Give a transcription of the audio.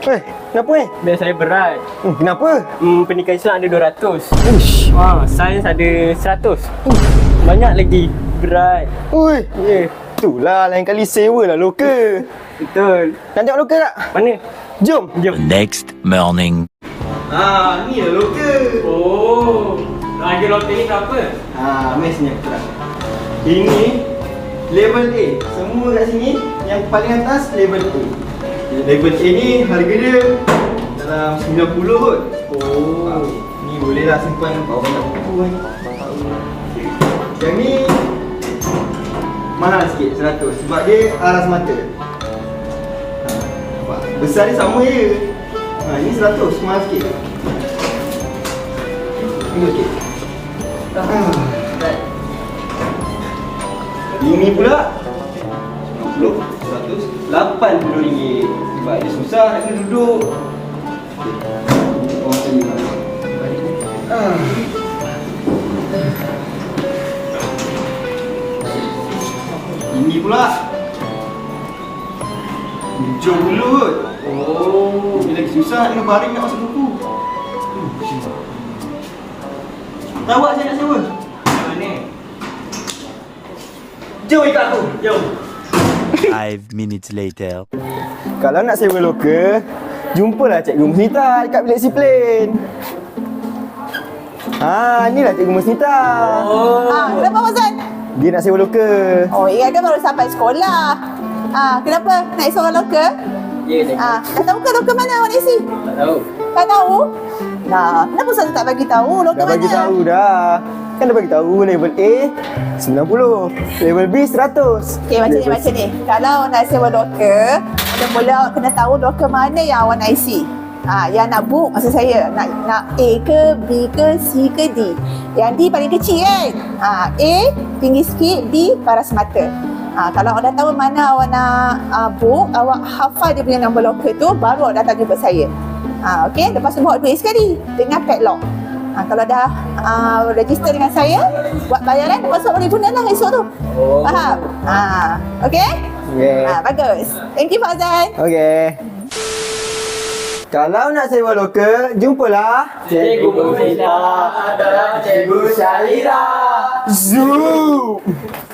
Kenapa Beg saya berat. Kenapa? Pendidikan Islam ada 200. Uish. Sains ada 100. Banyak lagi. Berat. Ui. Ya. Itulah lain kali sewa lah lokal. Betul. Nak tengok lokal tak? Mana? Jom. Jom. The next morning. Ni lah lokal. Oh. Harga lokal ni berapa? Mesnya kurang. Ini level A. Semua kat sini yang paling atas level A. Level A ni harga dia dalam 90 kot. Ni bolehlah simpan banyak buku kan. Yang ni mahal sikit 100 sebab dia aras mata. Nampak? Besar dia sama je. Ini 100 mahal sikit. Ini sikit. Ini pula 90, 100, RM80 sebab dia susah nak kena duduk. Oh, macam ni lah. Ini pula RM70 kot. Ini lagi susah nak kena baring nak masuk buku. Tahu tak saya nak sewa? Mana? Jom ikut aku. Jom. 5 minutes later. Kalau nak sewa lokal, jumpalah Cikgu Musnita dekat bilik Seaplane. Inilah Cikgu Musnita. Kenapa Mazan? Dia nak sewa lokal. Oh, ingat kan baru sampai sekolah. Kenapa? Nak seorang lokal? Ya, cikgu. Dah tahu ke lokal mana awak nak isi? Tak tahu. Tak tahu? Nah, kenapa Ustaz tak bagi tahu lokal Dah mana? bagi tahu dah. Kan dah bagi tahu level A 90, level B 100. Okey, macam ni. Kalau nak sewa lokal, mula-mula awak kena tahu lokal mana yang awak nak isi. Yang nak book maksud saya, nak A ke, B ke, C ke, D. Yang D paling kecil kan? A tinggi sikit, D paras mata. Kalau awak dah tahu mana awak nak book, awak hafal dia punya nombor lokal tu, baru awak datang jumpa saya. Okey, lepas tu bawa duit sekali dengan padlock. Kalau dah register dengan saya, buat bayaran, lepas tu boleh gunalah esok tu. Faham? Okey? Okay. Bagus. Thank you Fauzan. Okay. Kalau nak sewa lokal, jumpalah Cikgu Musnita adalah Cikgu Syahira. Zoom.